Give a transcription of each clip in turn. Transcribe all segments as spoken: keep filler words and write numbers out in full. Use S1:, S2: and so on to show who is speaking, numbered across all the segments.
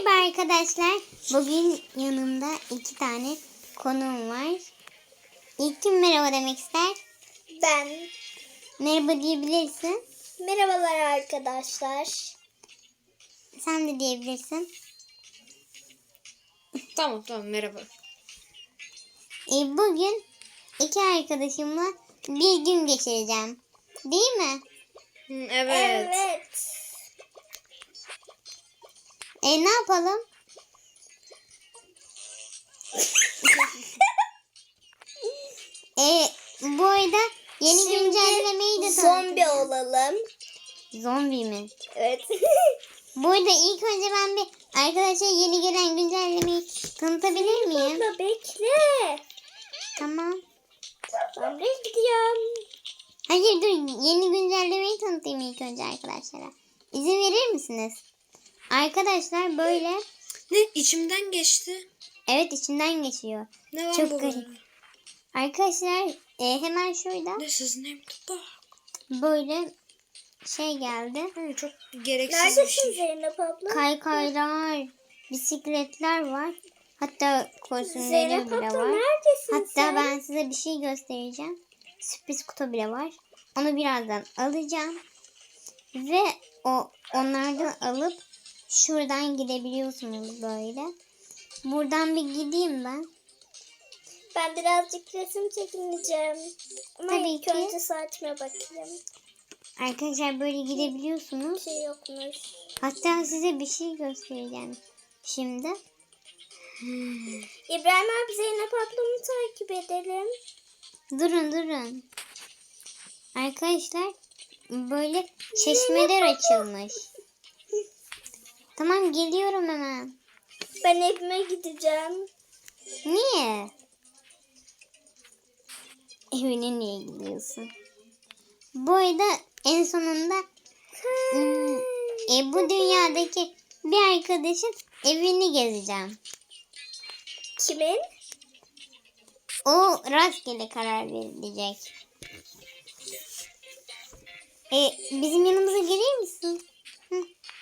S1: Merhaba arkadaşlar. Bugün yanımda iki tane konuğum var. İlk kim merhaba demek ister?
S2: Ben.
S1: Merhaba diyebilirsin.
S2: Merhabalar arkadaşlar.
S1: Sen de diyebilirsin.
S3: Tamam tamam merhaba.
S1: E, bugün iki arkadaşımla bir gün geçireceğim. Değil mi?
S3: Hı, evet.
S2: Evet.
S1: E ne yapalım? e, bu arada yeni
S2: Şimdi
S1: güncellemeyi de
S2: zombi
S1: tanıtacağım.
S2: olalım.
S1: Zombi mi?
S2: Evet.
S1: Bu arada ilk önce ben bir arkadaşlar yeni gelen güncellemeyi tanıtabilir miyim?
S2: Abla bekle.
S1: Tamam.
S2: Ben de gidiyorum.
S1: Hayır dur, yeni güncellemeyi tanıtayım ilk önce arkadaşlara. İzin verir misiniz? Arkadaşlar böyle,
S3: Ne içimden geçti.
S1: evet içinden geçiyor.
S3: Ne var
S1: Çok
S3: bu?
S1: garip. Arkadaşlar e, hemen şurada
S3: Ne siz ne bu?
S1: böyle şey geldi.
S3: Hı, çok gereksiz bir
S2: Neredesin
S3: şey.
S2: Zeynep abla?
S1: Kaykaylar, bisikletler var. Hatta kostümleri
S2: Zeynep
S1: bile
S2: abla
S1: var.
S2: neredesin
S1: Hatta
S2: sen?
S1: ben size bir şey göstereceğim. Sürpriz kutu bile var. Onu birazdan alacağım. Ve o onlardan alıp şuradan gidebiliyorsunuz böyle. Buradan bir gideyim ben.
S2: Ben birazcık resim çekineceğim. Ama
S1: Tabii
S2: ilk
S1: ki.
S2: önce saçma bakayım.
S1: Arkadaşlar böyle gidebiliyorsunuz.
S2: Bir şey yokmuş.
S1: Hatta size bir şey göstereceğim şimdi.
S2: İbrahim abi Zeynep ablamı takip edelim.
S1: Durun durun. Arkadaşlar böyle çeşmeler açılmış. Tamam geliyorum hemen.
S2: Ben evime gideceğim.
S1: Niye? Evine niye gidiyorsun? Bu arada en sonunda hmm, e, bu dünyadaki bir arkadaşın evini gezeceğim.
S2: Kimin?
S1: O rastgele karar verilecek. E, bizim yanımıza gelir misin? Hı.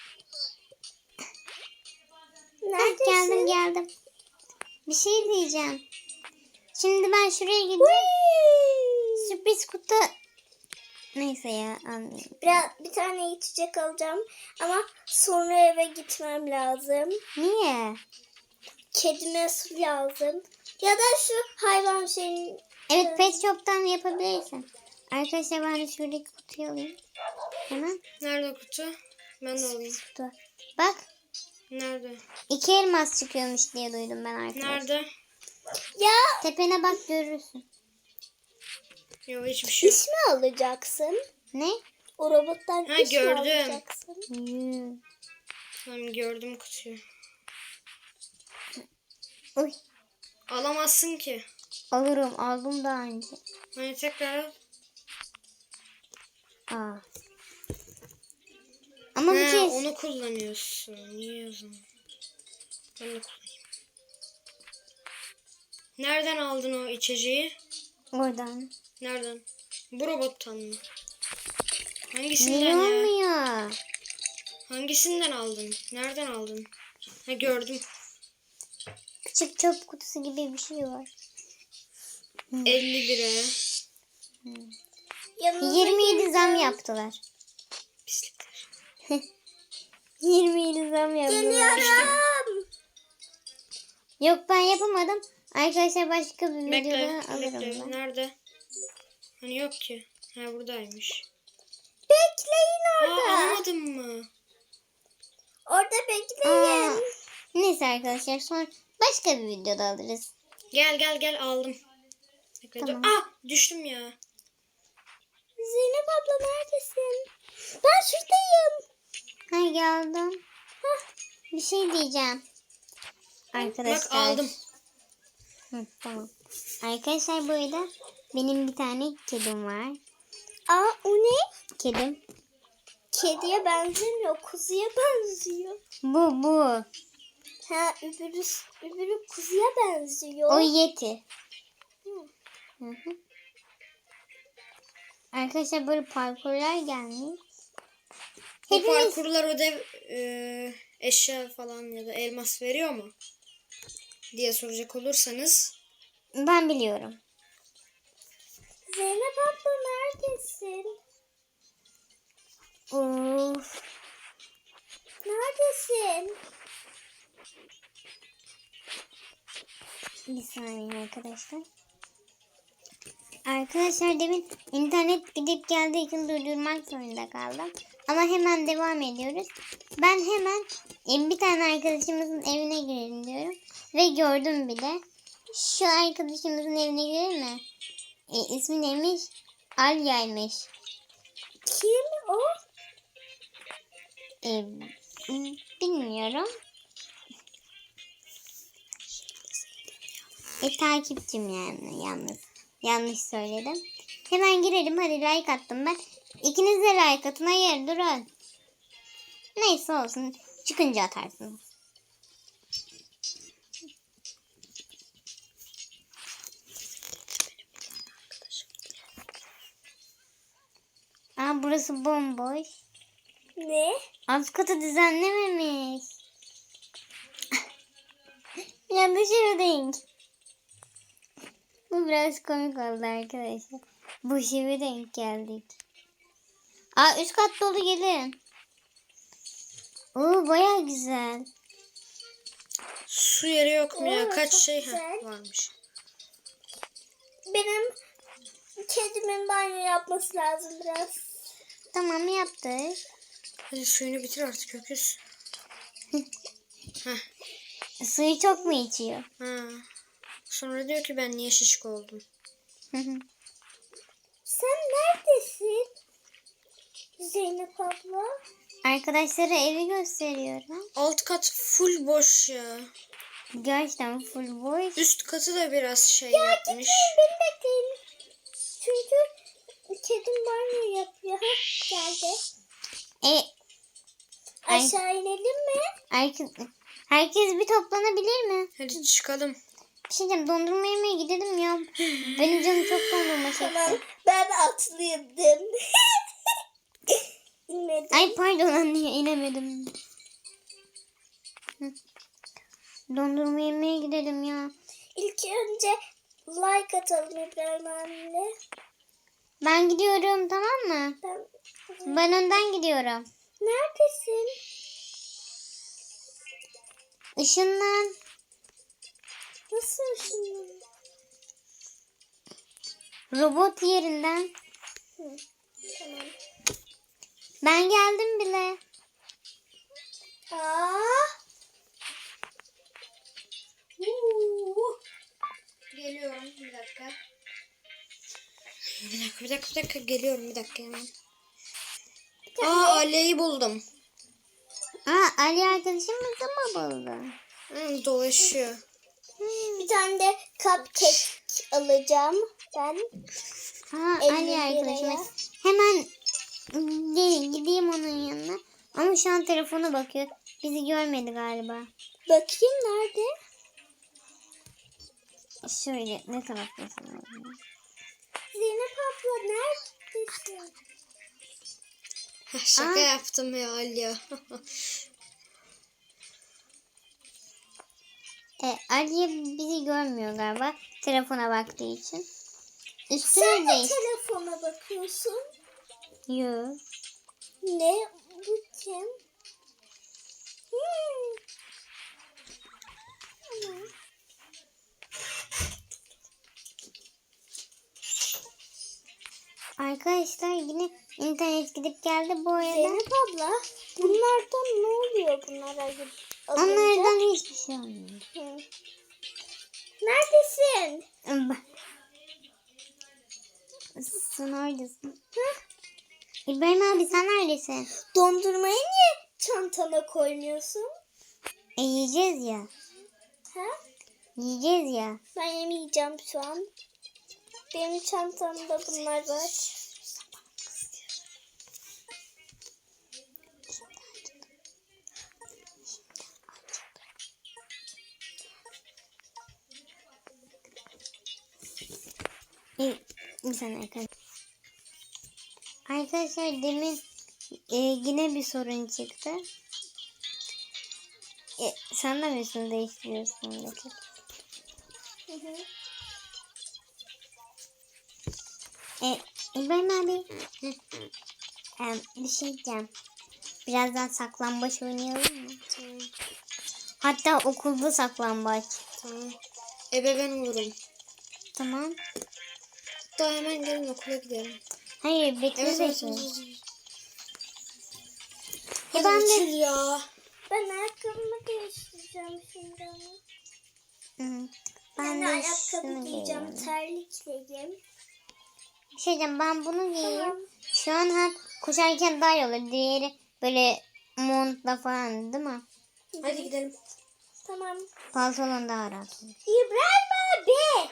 S1: Heh,
S2: Neredesin?
S1: geldim geldim. Bir şey diyeceğim. Şimdi ben şuraya gideyim.
S2: Whee!
S1: Sürpriz kutu. Neyse ya anlayayım.
S2: Biraz bir tane içecek alacağım ama sonra eve gitmem lazım.
S1: Niye?
S2: Kedime su lazım. Ya da şu hayvan şeyin.
S1: Evet pet shop'tan yapabilirsin. Arkadaşlar ben de şuradaki kutuyu alayım. Hemen
S3: Nerede kutu? Ben de alayım.
S1: kutu. Bak
S3: Nerede?
S1: iki elmas çıkıyormuş diye duydum ben arkadaşlar.
S3: Nerede?
S2: Ya
S1: Tepene bak görürsün.
S3: Yok hiçbir şey yok.
S2: iş mi alacaksın?
S1: Ne?
S2: O robottan
S3: Ha,
S2: iş mi
S3: gördüm.
S2: alacaksın?
S1: Yuu.
S3: Tamam gördüm kutuyu.
S1: Uy.
S3: Alamazsın ki.
S1: Alırım aldım daha önce.
S3: Hani tekrar al.
S1: Aa. Ama bir
S3: He,
S1: kez.
S3: onu kullanıyorsun. Niye o zaman? Ben de kullanayım. Nereden aldın o içeceği?
S1: Oradan.
S3: Nereden? Bu robottan mı? Hangisinden
S1: Niye
S3: ya?
S1: olmuyor?
S3: Hangisinden aldın? Nereden aldın? Ha gördüm.
S1: Küçük çöp kutusu gibi bir şey var.
S3: elli lira.
S2: Yanınıza
S1: yirmi yedi zam
S2: geleceğim.
S1: yaptılar.
S3: Pislikler.
S1: yirmi yedi zam yaptılar.
S2: Geliyorum.
S1: Yok ben yapamadım. Arkadaşlar başka bir
S3: Bekle.
S1: videoda alırım
S3: Bekle.
S1: ben.
S3: Nerede? Hani yok ki. Ha buradaymış.
S2: Bekleyin
S3: Aa
S2: orada.
S3: almadın mı?
S2: Orada bekleyin.
S1: Aa, neyse arkadaşlar sonra başka bir videoda alırız.
S3: Gel gel gel aldım. Bekle
S1: Tamam.
S3: dur. Ah düştüm ya.
S2: Zeynep abla neredesin? Ben şuradayım.
S1: Ha geldim. Hah, bir şey diyeceğim. Arkadaşlar.
S3: Bak aldım.
S1: Hı, tamam. Arkadaşlar bu arada benim bir tane kedim var.
S2: Aa o ne?
S1: Kedim.
S2: Kediye benzemiyor. Kuzuya benziyor.
S1: Bu bu.
S2: Ha öbürü, öbürü kuzuya benziyor.
S1: O Yeti. Hı hı. Arkadaşlar böyle parkurlar gelmiş.
S3: Bu
S1: Hepimiz
S3: parkurlar ödev e, eşya falan ya da elmas veriyor mu diye soracak olursanız.
S1: ben biliyorum.
S2: Zeynep abla neredesin?
S1: Of.
S2: Neredesin?
S1: Bir saniye arkadaşlar. Arkadaşlar demin internet gidip geldiği için durdurmak zorunda kaldım. Ama hemen devam ediyoruz. Ben hemen e, bir tane arkadaşımızın evine girelim diyorum. Ve gördüm bile. Şu arkadaşımızın evine girelim mi? E, ismi neymiş? Alya'ymış.
S2: Kim o?
S1: E, bilmiyorum. E takipçim yani yalnız. Yanlış söyledim. Hemen girelim, hadi like attım ben. İkiniz de like atın. Hayır durun. Neyse olsun. Çıkınca atarsınız. Aa, burası bomboş.
S2: Ne?
S1: Alt katı düzenlememiş. Yanlış yere denk. Bu biraz komik oldu arkadaşlar. Bu şive denk geldik. Aa, üst kat dolu, gelin. Oo, baya güzel.
S3: Su yeri yok mu ya?
S2: Oo,
S3: Kaç
S2: çok
S3: şey
S2: güzel.
S3: ha, varmış.
S2: Benim kedimin banyo yapması lazım biraz.
S1: Tamam, yaptık.
S3: Hadi suyunu bitir artık öküz. Heh.
S1: Suyu çok mu içiyor?
S3: Ha. Sonra diyor ki ben niye şişko oldum.
S2: Sen neredesin? Zeynep abla.
S1: Arkadaşlara evi gösteriyorum.
S3: Alt kat full boş ya.
S1: Gerçekten full boş.
S3: Üst katı da biraz şey yapmış.
S2: Beni bekleyin. Çünkü kedim banyo yapıyor. Hah, geldi.
S1: E, Ay.
S2: Aşağı inelim mi?
S1: herkes, herkes bir toplanabilir mi?
S3: Hadi çıkalım.
S1: Bir şey diyeceğim, dondurma yemeye gidelim ya. Benim canım çok dondurma
S2: Tamam.
S1: çekti.
S2: Ben atladım. İnmedim.
S1: Ay pardon anne, inemedim. Hı. Dondurma yemeye gidelim ya.
S2: İlk önce like atalım İbrahim abiyle.
S1: Ben gidiyorum, tamam mı?
S2: Ben...
S1: Ben önden gidiyorum.
S2: Neredesin?
S1: Işınlan.
S2: Nasıl şimdi?
S1: Robot yerinden.
S2: Hı, tamam.
S1: Ben geldim bile.
S2: Aa! Uuu.
S3: Geliyorum bir dakika. Bir dakika bir dakika bir dakika geliyorum bir dakika hemen. Aa, Ali'yi buldum.
S1: Aa, Ali arkadaşımızı mı buldun?
S3: Hı, dolaşıyor.
S2: Bir tane de cupcake alacağım ben.
S1: Ha,
S2: elli
S1: Ali
S2: liraya.
S1: arkadaşımız. Hemen gelin gideyim onun yanına. Ama şu an telefona bakıyor. Bizi görmedi galiba.
S2: Bakayım nerede?
S1: Şöyle ne taraftasın?
S2: Zeynep abla neredesin?
S3: Heh, Şaka
S1: Aa.
S3: yaptım ya Ali.
S1: E, Ali bizi görmüyor galiba. Telefona baktığı için.
S2: Sen
S1: Üstüne
S2: de
S1: değiş.
S2: telefona bakıyorsun.
S1: Yok.
S2: Ne? Bu kim? Hmm. Tamam.
S1: Arkadaşlar yine internet gidip geldi bu arada.
S2: Zeynep abla bunlardan ne oluyor bunlara alınca?
S1: Onlardan hiçbir şey olmuyor.
S2: Hı. Neredesin?
S1: Sen neredesin? İbrahim abi sen neredesin?
S2: Dondurmayı niye çantana koymuyorsun?
S1: E yiyeceğiz ya.
S2: Ha?
S1: Yiyeceğiz ya.
S2: Ben yemeyeceğim şu an. Benim çantamda bunlar var.
S1: E, bir saniye arkadaşlar. Arkadaşlar demin e, yine bir sorun çıktı. E, sen de mi üstünü değiştiriyorsun Betül?
S2: Hı hı.
S1: E, İbrahim abi. E, bir şey diyeceğim. Birazdan saklambaç oynayalım mı?
S3: Tamam.
S1: Hatta okulda saklambaç.
S3: Tamam. Ebe ben olurum.
S1: Tamam.
S3: Hatta hemen gelin okula gidelim.
S1: Hayır Betül
S3: Evet, evet,
S1: Betül.
S3: evet, evet.
S1: Ya
S3: Hadi
S1: ben de-
S3: Betül ya.
S2: Ben ayakkabımı değiştireceğim şimdi ama.
S1: Hı.
S2: Ben,
S1: Ben
S2: de
S1: de
S2: ayakkabı
S1: şunu
S2: giyeceğim.
S1: giyiyorum.
S2: Terlikleyeyim.
S1: Bir şey diyeceğim, ben bunu giyeyim.
S2: Tamam.
S1: Şu an hem koşarken daha iyi olur. Diğeri böyle montla falan değil mi?
S3: Hadi gidelim.
S2: Tamam.
S1: Pantolon daha rahat olur.
S2: İbrahim abi.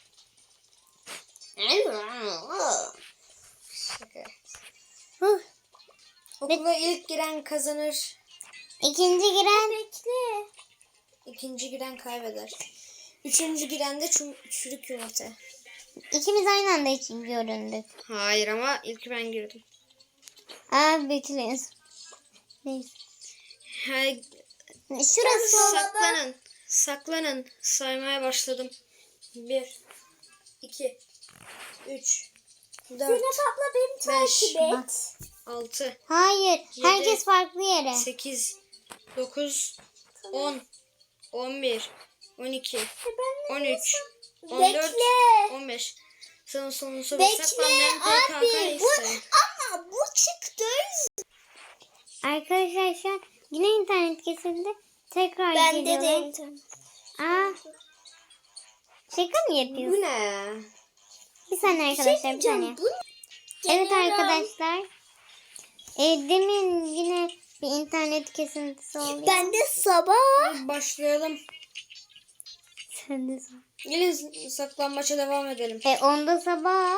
S3: Şaka.
S1: Huh.
S3: Okula ilk giren kazanır.
S1: İkinci giren
S2: Bekle.
S3: İkinci giren kaybeder. Üçüncü giren de çü- çürük yumurta.
S1: ikimiz aynı anda için göründük.
S3: Hayır ama ilk ben girdim.
S1: Aa Betül'üz. Neyse.
S3: Hay,
S1: Şurası.
S3: saklanın. Saklanın. Saymaya başladım. Bir, iki, üç, dört,
S2: Zeynep abla beni takip et.
S1: Bak.
S3: altı,
S1: Hayır.
S3: Yedi.
S1: Herkes farklı yere.
S3: sekiz, dokuz, on, on bir, on iki, on üç, on dört,
S2: Bekle.
S3: on beş. Sana sonunuzu
S2: Bekle
S3: saklanmayan
S2: abi.
S3: P K K
S2: Bu,
S3: ise.
S2: ama bu çıktı.
S1: Arkadaşlar şu an yine internet kesildi. Tekrar
S2: Bende
S1: geliyorlar.
S2: de internet.
S1: Aa. Şaka mı
S3: Bu
S1: yapıyorsun?
S3: ne?
S1: Bir saniye
S2: Bir şey
S1: arkadaşlar, bir saniye.
S2: diyeceğim. Bu
S1: Evet
S2: Geliyorum.
S1: arkadaşlar. E, demin yine bir internet kesintisi oluyor.
S2: Ben de sabah.
S3: Hadi başlayalım.
S1: Sen de sor.
S3: Gelin saklanmaça devam edelim.
S1: E onda sabah.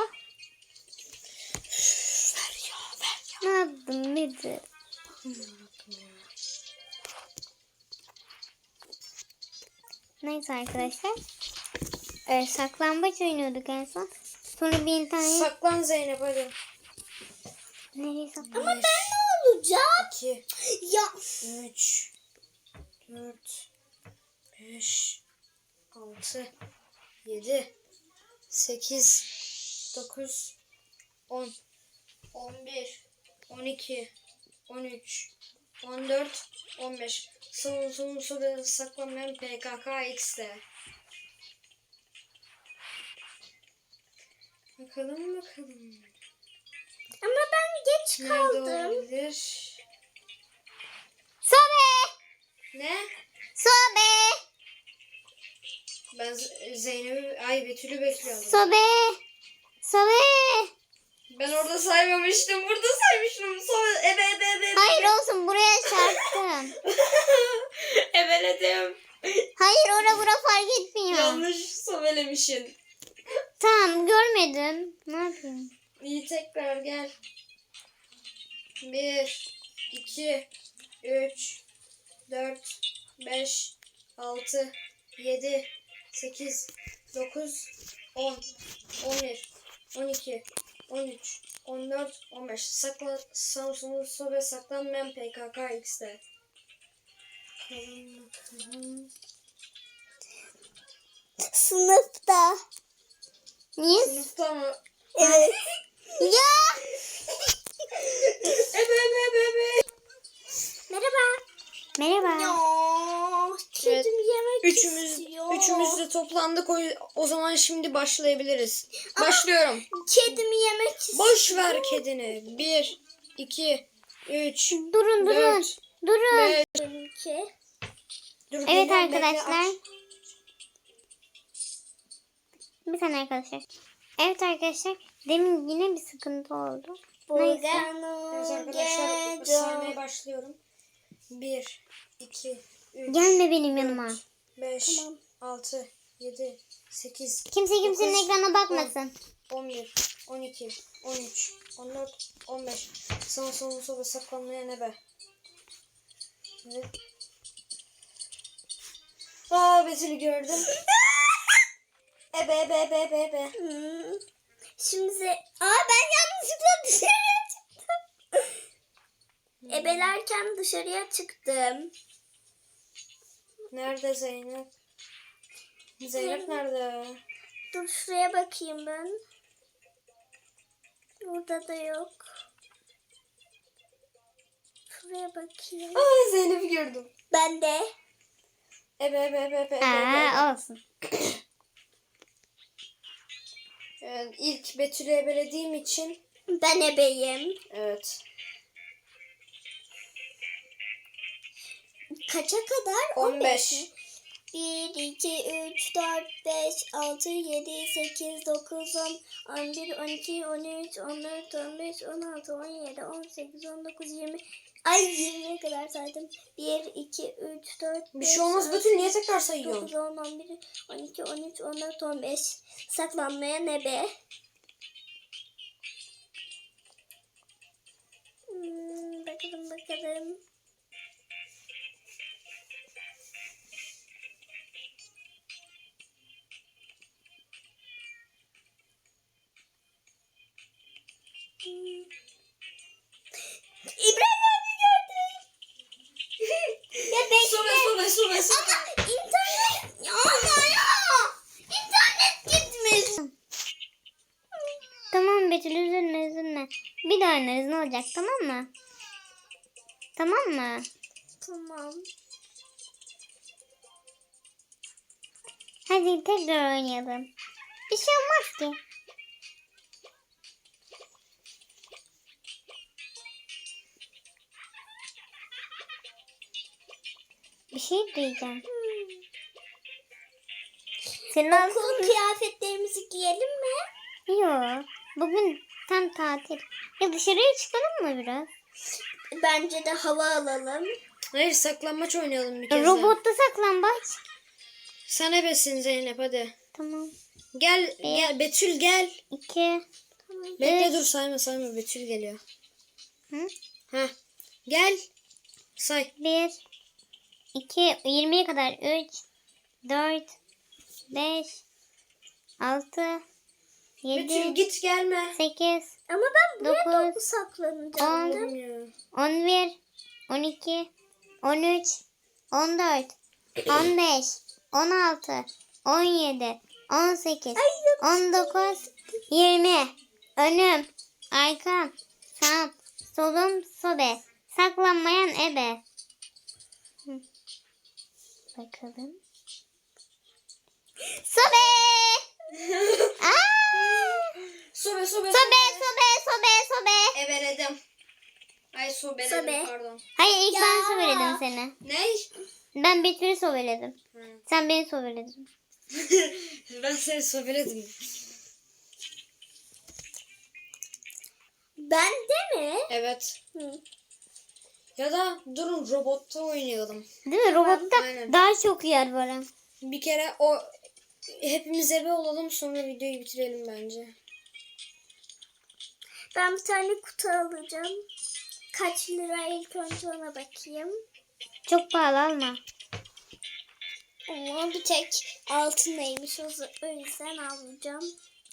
S3: Ver ya ver ya.
S1: Ne yaptın Betül? Neyse arkadaşlar. E, saklambaç oynuyorduk en son. Sonra bir internet...
S3: Saklan Zeynep hadi.
S1: Nereye saklan?
S2: Ama ben ne olacak?
S3: iki,
S2: Ya
S3: üç, dört, beş, altı, yedi, sekiz, dokuz, on, on bir, on iki, on üç, on dört, on beş. Son son soru saklanmayan P K K X'de. Bakalım bakalım.
S2: ama ben geç
S3: Nerede
S2: kaldım.
S3: olabilir?
S1: Sobe!
S3: Ne?
S1: Sobe!
S3: Ben Z- Zeynep'i, ay Betül'ü bekliyordum.
S1: Sobe! Sobe!
S3: Ben orada saymamıştım. Burada saymıştım. Sonra ebe ebe ebe.
S1: Hayır olsun, buraya çarptım.
S3: Ebeledim.
S1: Hayır, ora bura fark etmiyor.
S3: Yanlış sobelemişsin.
S1: Tamam, görmedim. Ne yapayım?
S3: İyi tekrar gel. Bir, iki, üç, dört, beş, altı, yedi, sekiz, dokuz, on, on bir, on iki, on üç, on dört, on beş. Sakla, Samsun'un sobe saklanmayan P K K X'de. Bakalım bakalım.
S2: Sınıfta.
S1: Niye?
S3: Sınıfta mı?
S2: Evet.
S1: Ya!
S3: Ebe ebe ebe ebe.
S2: Merhaba.
S1: Merhaba.
S2: Ya, kedim
S3: Evet.
S2: yemek
S3: Üçümüz,
S2: istiyor.
S3: üçümüz de toplandık. O, o zaman şimdi başlayabiliriz. Başlıyorum.
S2: Kedim yemek istiyor.
S3: Boş ver kedini. Bir, iki, üç,
S1: Durun durun.
S3: dört,
S1: Durun.
S3: beş.
S2: Benimki.
S3: Dur,
S1: Evet
S3: Gülden, bekle,
S1: arkadaşlar.
S3: aç.
S1: Bir saniye arkadaşlar. Evet arkadaşlar. Demin yine bir sıkıntı oldu. Neyse.
S3: Evet arkadaşlar saymaya başlıyorum. Bir, iki, üç,
S1: Gelme benim yanıma.
S3: beş,
S2: Tamam.
S3: altı, yedi, sekiz,
S1: Kimse kimsenin
S3: dokuz,
S1: ekrana bakmasın.
S3: on bir, on iki, on üç, on dört, on beş. Sana son soru saklanmaya ne be? Evet. Aa Betül'ü gördüm. Ebe ebe ebe ebe ebe.
S2: Hmm. Şimdi ze- Aa ben yanlışlıkla dışarıya çıktım. Ebelerken dışarıya çıktım.
S3: Nerede Zeynep? Zeynep nerede?
S2: Dur şuraya bakayım ben. Burada da yok. Şuraya bakayım.
S3: Aa, Zeynep'i gördüm.
S2: Ben de.
S3: Ebe ebe ebe ebe ebe. ebe.
S1: Aa, olsun.
S3: Yani ilk Betül'ü ebelediğim için.
S2: Ben ebeyim.
S3: Evet.
S2: Kaça kadar?
S3: on beş.
S2: mi? bir, iki, üç, dört, beş, altı, yedi, sekiz, dokuz, on, on bir, on iki, on üç, on dört, on beş, on altı, on yedi, on sekiz, on dokuz, yirmi. Ay yirmiye kadar saydım. bir, iki, üç, dört,
S3: Bir
S2: beş,
S3: şey olmaz
S2: altı,
S3: Betül, niye tekrar
S2: dokuz,
S3: sayıyorsun?
S2: on, on bir, on iki, on üç, on dört, on beş. Saklanmaya ne be? Hmm, bakalım bakalım. Hmm. İbrahim abi gördüm. Ya bekle.
S3: Sobe sobe sobe sobe.
S2: Ama internet. Ya ama ya. İnternet gitmiş.
S1: Tamam Betül, üzülme üzülme. Bir daha oynarız, ne olacak, tamam mı? Tamam mı?
S2: Tamam.
S1: Hadi tekrar oynayalım. Bir şey olmaz ki. Bir şey diyeceğim. Senin
S2: Okul
S1: aslında...
S2: kıyafetlerimizi giyelim mi?
S1: Yok. Bugün tam tatil. Ya dışarıya çıkalım mı biraz?
S2: Bence de hava alalım.
S3: Hayır, saklanmaç oynayalım bir kez daha.
S1: Robotta saklambaç.
S3: Sen ebesin Zeynep, hadi.
S1: Tamam.
S3: Gel gel Betül gel.
S1: İki.
S3: Bekle
S1: Evet.
S3: dur, sayma sayma, Betül geliyor.
S1: Hı?
S3: Ha. Gel. Say.
S1: Bir. İki. Yirmiye kadar. Üç. Dört. Beş. Altı.
S3: Betül
S1: Yedi.
S3: git gelme.
S1: Sekiz.
S2: Ama ben buraya
S1: Dokuz,
S2: doğru saklanacağım.
S1: on.
S3: Olmuyor.
S1: On bir. On iki. On üç. On dört. On beş. On altı. On yedi. On sekiz. On dokuz. Yirmi. Önüm. Arkam. Sağım. Solum. Sobe. Saklanmayan ebe. Hı. Bakalım. Sobe. Aa!
S3: Sobe sobe
S1: Sobe, sobe, sobe, sobe.
S3: Ebeledim. Ay sobeledim
S2: Sobe.
S3: pardon.
S1: Hayır, ilk
S2: Ya.
S1: ben sobeledim seni.
S3: Ne?
S1: Ben Betül'ü sobeledim.
S3: Hı.
S1: Sen beni sobeledin.
S3: Ben seni sobeledim.
S2: Ben de mi?
S3: Evet.
S2: Hı.
S3: Ya da durun robotta oynayalım.
S1: Değil mi? Robotta
S3: Aynen.
S1: daha çok yer var. Hem.
S3: Bir kere o hepimiz ebe olalım, sonra videoyu bitirelim bence.
S2: Ben bir tane kutu alacağım. Kaç lira ilk önce ona bakayım.
S1: Çok pahalı alma.
S2: Ama bir tek altındaymış, o z- o yüzden alacağım.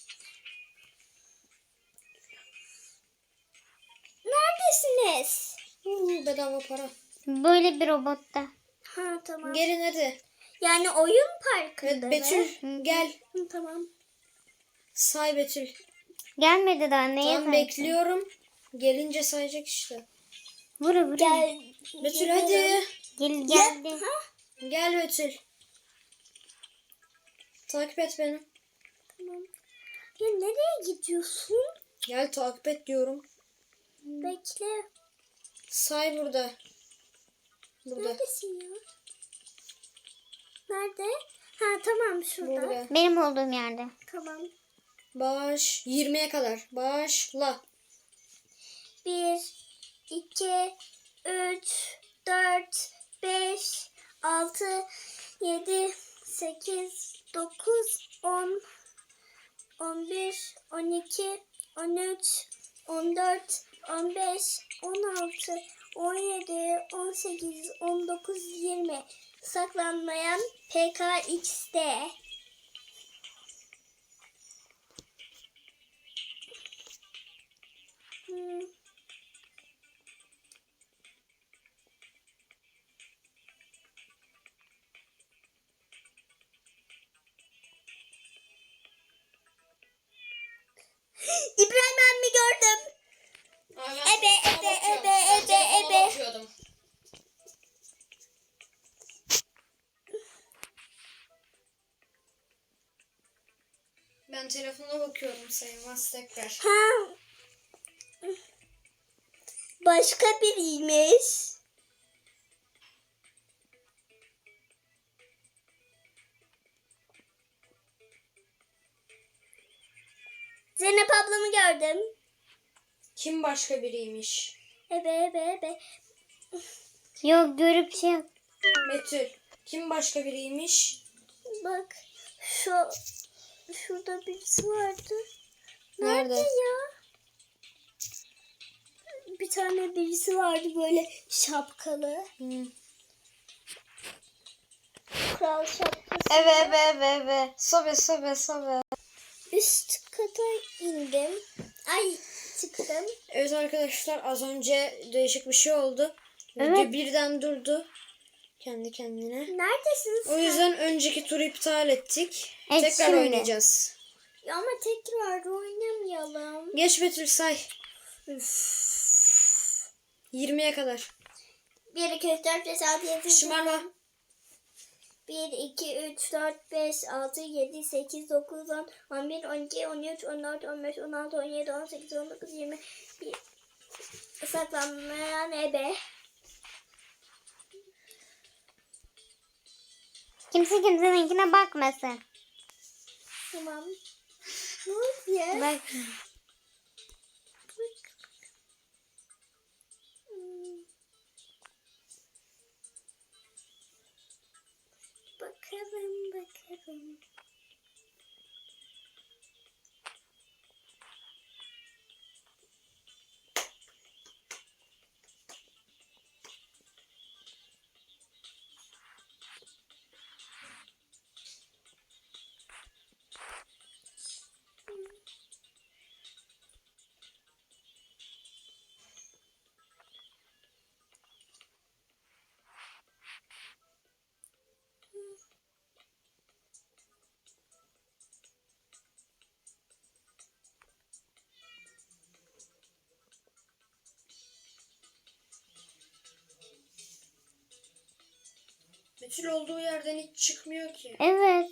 S2: Neredesiniz?
S3: Huu, bedava para.
S1: Böyle bir robotta.
S2: Ha tamam.
S3: Gelin hadi.
S2: Yani oyun
S3: Evet,
S2: parkında
S3: Betül
S2: mı?
S3: gel.
S2: Hı, tamam.
S3: Say Betül.
S1: Gelmedi daha, neye
S3: Tamam,
S1: saysın?
S3: bekliyorum. Gelince sayacak işte.
S1: Vura vura.
S2: Gel.
S3: Betül hadi.
S1: Gel, geldi.
S2: Ha?
S3: Gel Betül. Takip et beni.
S2: Tamam. Ya nereye gidiyorsun?
S3: Gel takip et diyorum.
S2: Bekle.
S3: Say burada. Burada.
S2: Neredesin ya? Nerede? Ha tamam, şurada.
S3: Burada.
S1: Benim olduğum yerde.
S2: Tamam.
S3: Baş. yirmiye kadar. Başla.
S2: Bir, iki, üç, dört, beş, altı, yedi, sekiz, dokuz, on, on bir, on iki, on üç, on dört, on beş, on altı, on yedi, on sekiz, on dokuz, yirmi. Saklanmayan P K X D. Hmm.
S3: Ben telefona bakıyorum, sayılmaz tekrar.
S2: Ha. Başka biriymiş. Zeynep ablamı gördüm.
S3: Kim başka biriymiş?
S2: Ebe ebe ebe.
S1: Yok görüp şey yap.
S3: Betül. Kim başka biriymiş?
S2: Bak şu şurada birisi vardı.
S3: Nerede?
S2: Nerede ya? Bir tane birisi vardı böyle şapkalı.
S3: Hmm.
S2: Kral şapkası.
S3: Eve eve eve eve. Sobe sobe sobe.
S2: Üst kata indim. Ay çıktım.
S3: Evet arkadaşlar, az önce değişik bir şey oldu.
S1: Evet.
S3: Video birden durdu. Kendi kendine.
S2: Neredesin sen?
S3: O yüzden önceki turu iptal ettik.
S1: Evet,
S3: Tekrar
S1: şimdi.
S3: oynayacağız.
S2: Ya ama tekrar oynamayalım.
S3: Geç Betül, say. yirmiye kadar.
S2: bir, iki, üç, dört, beş, altı, yedi,
S3: Şımarma.
S2: bir, iki, üç, dört, beş, altı, yedi, sekiz, dokuz, on, on bir, on iki, on üç, on dört, on beş, on altı, on yedi, on sekiz, on dokuz, yirmi. Bir. Saklanmayan ebe.
S1: Kimse kimseninkine bakmasın.
S2: Tamam. Ne oluyor?
S1: Bak.
S2: Hmm. Bakalım bakalım.
S3: Betül olduğu yerden hiç çıkmıyor ki.
S1: Evet.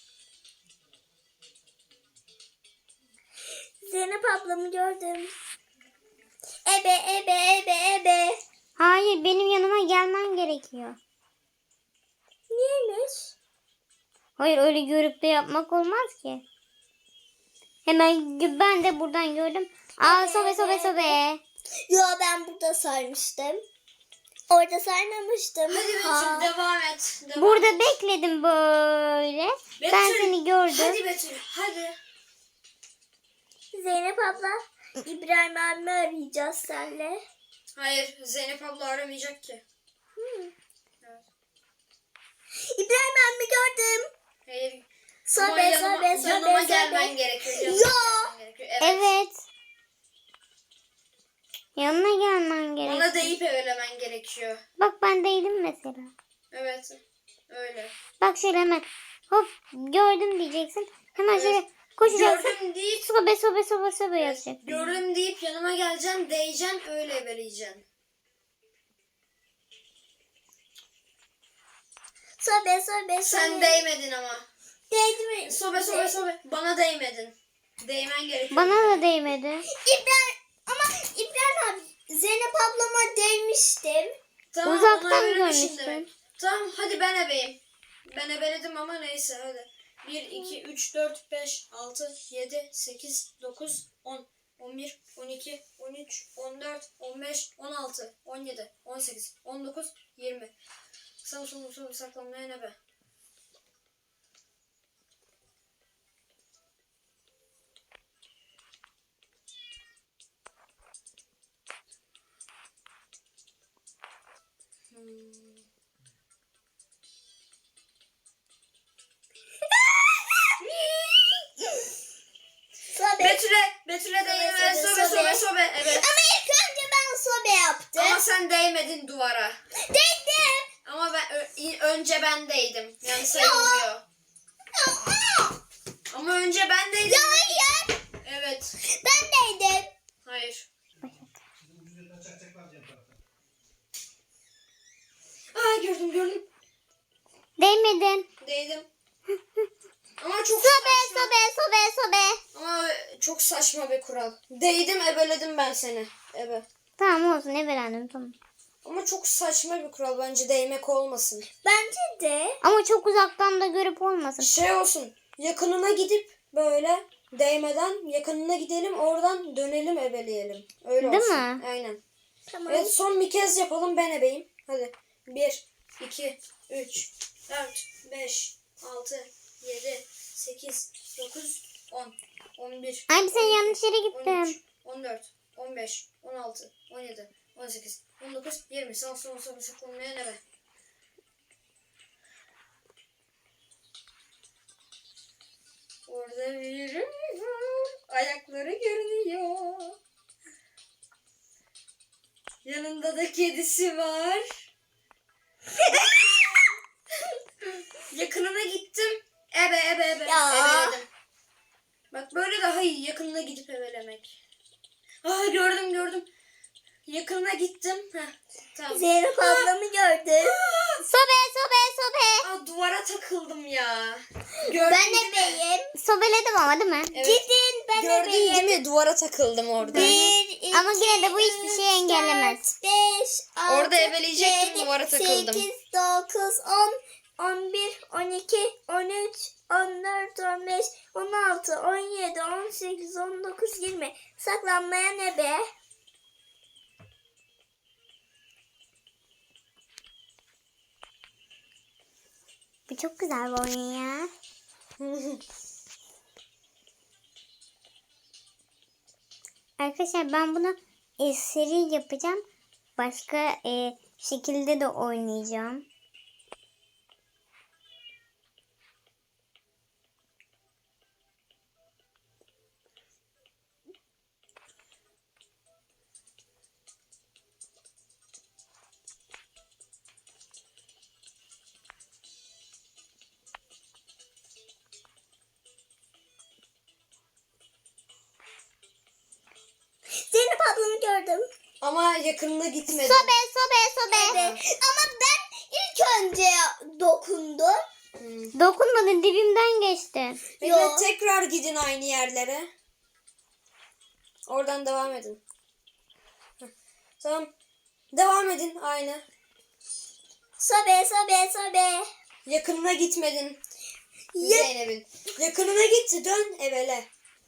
S2: Zeynep ablamı gördüm. Ebe ebe ebe ebe.
S1: Hayır, benim yanıma gelmen gerekiyor.
S2: Niyeymiş?
S1: Hayır, öyle görüp de yapmak olmaz ki. Hemen gö- ben de buradan gördüm. Aa, sobe sobe sobe.
S2: Yo ben burada sarmıştım. Orada sarmamıştım.
S3: Hadi Betül,
S2: Ha.
S3: devam et. Devam
S1: Burada
S3: et.
S1: bekledim böyle. Ben
S3: Betül,
S1: seni gördüm.
S3: Hadi Betül, hadi.
S2: Zeynep abla İbrahim abimi arayacağız senle.
S3: Hayır, Zeynep abla aramayacak ki.
S2: Hmm.
S3: Evet.
S2: İbrahim abimi gördüm.
S3: Hayır. Ama
S2: Sobe
S3: yanıma,
S2: sobe sobe
S3: yanıma
S2: sobe.
S3: gelmen gerekiyor. Yanıma
S2: Yo.
S3: gelmen gerekiyor. Evet.
S1: Evet. Yanına gelmen gerek.
S3: Bana deyip evlemen gerekiyor.
S1: Bak ben değilim mesela.
S3: Evet. Öyle.
S1: Bak şöyle hemen hop gördüm diyeceksin. Hemen
S3: Evet.
S1: şöyle koşacaksın.
S3: Gördüm deyip
S1: Sobe sobe sobe sobe
S3: evet,
S1: yazacaksın.
S3: gördüm deyip yanıma geleceksin, değeceksin, öyle eveleyeceksin.
S2: Sobe sobe sobe.
S3: Sen değmedin ama.
S2: Değdi mi?
S3: Sobe sobe sobe. Bana değmedin. Değmen gerekiyor.
S1: Bana da değmedi.
S2: İbrahim ama İbrahim abi Zeynep ablama değmiştim.
S3: Tamam,
S1: Uzaktan
S3: ona evlemişim
S1: görmüştün.
S3: demek. Tamam, hadi ben ebeyim. Ben ebeledim ama neyse, hadi. bir, iki, üç, dört, beş, altı, yedi, sekiz, dokuz, on, on bir, on iki, on üç, on dört, on beş, on altı, on yedi, on sekiz, on dokuz, yirmi. Samsun usulü saklanmayan ebe. Hmm.
S2: Sobe.
S3: Betül'e, Betül'e değme,
S2: sobe,
S3: sobe,
S2: sobe.
S3: sobe, sobe, evet.
S2: Ama ilk önce ben sobe yaptım.
S3: Ama sen değmedin duvara.
S2: Değdim.
S3: Ama ben ö- önce ben değdim. Yani sayılmıyor. Ama önce ben değdim.
S2: Ya hayır.
S3: Evet.
S2: Ben değdim.
S3: Hayır. Aa, gördüm gördüm.
S1: Değmedin.
S3: Değdim. Ama çok
S1: Sobe
S3: saçma.
S1: sobe sobe sobe.
S3: Ama çok saçma bir kural. Değdim ebeledim ben seni. Ebe.
S1: Tamam olsun ebelendim tamam.
S3: Ama çok saçma bir kural. Bence değmek olmasın.
S2: Bence de.
S1: Ama çok uzaktan da görüp olmasın.
S3: Şey olsun. Yakınına gidip böyle değmeden yakınına gidelim. Oradan dönelim ebeleyelim. Öyle
S1: Değil
S3: olsun.
S1: mi?
S3: Aynen.
S2: Tamam.
S3: Evet son bir kez yapalım ben ebeyim. Hadi. bir, iki, üç, dört, beş, altı, yedi, sekiz, dokuz, on, on bir,
S1: Ay sen
S3: on iki,
S1: yanlış yere
S3: on
S1: gittin.
S3: üç, on dört, on beş, on altı, on yedi, on sekiz, on dokuz, yirmi. Sağ sol sol saklanmaya ne be? Orada biri var. Ayakları görünüyor. Yanında da kedisi var. Yakınına gittim. Ebe ebe ebe.
S2: Ya.
S3: Ebeledim. Bak böyle daha iyi. Yakınına gidip ebelemek. Aa gördüm gördüm. Yakınına gittim. Heh, tamam.
S2: Zeynep ablamı gördüm.
S1: Sobe sobe sobe.
S3: Aa duvara takıldım ya. Gördün
S2: Ben
S3: değil mi?
S2: de beyim.
S1: Sobeledim ama değil mi?
S3: Evet.
S2: Gidin ben de
S3: Gördün
S2: beyim.
S3: değil mi? Duvara takıldım orada.
S2: Bir, iki,
S1: Ama yine de bu hiçbir
S2: üç,
S1: şeyi engellemez.
S2: dört, beş, altı,
S3: Orada ebeleyecektim,
S2: yedi,
S3: duvara takıldım.
S2: sekiz, dokuz, on, on bir, on iki, on üç, on dört, on beş, on altı, on yedi, on sekiz, on dokuz, yirmi. Saklanmaya ne be?
S1: Bu çok güzel bir oyun ya. Arkadaşlar ben bunu e, seri yapacağım. Başka e, şekilde de oynayacağım.
S2: Zeynep ablamı gördüm.
S3: Ama yakınına gitmedim.
S1: Sobe sobe sobe.
S2: Evet. Ama ben ilk önce dokundum.
S3: Hmm.
S1: Dokunmadın dibimden geçti.
S3: Bekle
S2: Yo.
S3: tekrar gidin aynı yerlere. Oradan devam edin. Heh, tamam. Devam edin aynı.
S2: Sobe sobe sobe.
S3: Yakınına gitmedin.
S2: Ya-
S3: Zeynep'in. Yakınına gitti dön evele.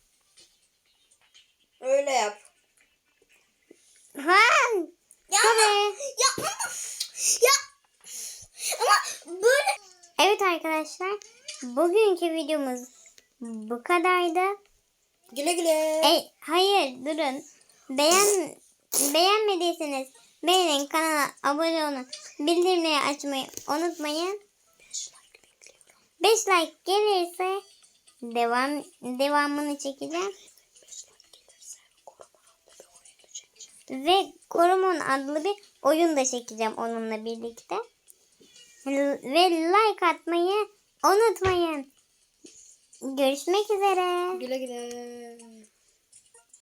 S3: Öyle yap.
S1: Ha.
S2: Ya
S1: Sobe.
S2: ama, ya ama, ya ama böyle
S1: Evet arkadaşlar. Bugünkü videomuz bu kadardı.
S3: Güle güle.
S1: E, hayır durun. Beğen beğenmediyseniz beğenin, kanala abone olun. Bildirimleri açmayı unutmayın. beş like gelirse devam devamını çekeceğim. Ve Koromon adlı bir oyun da çekeceğim onunla birlikte. Ve like atmayı unutmayın. Görüşmek üzere.
S3: Güle güle.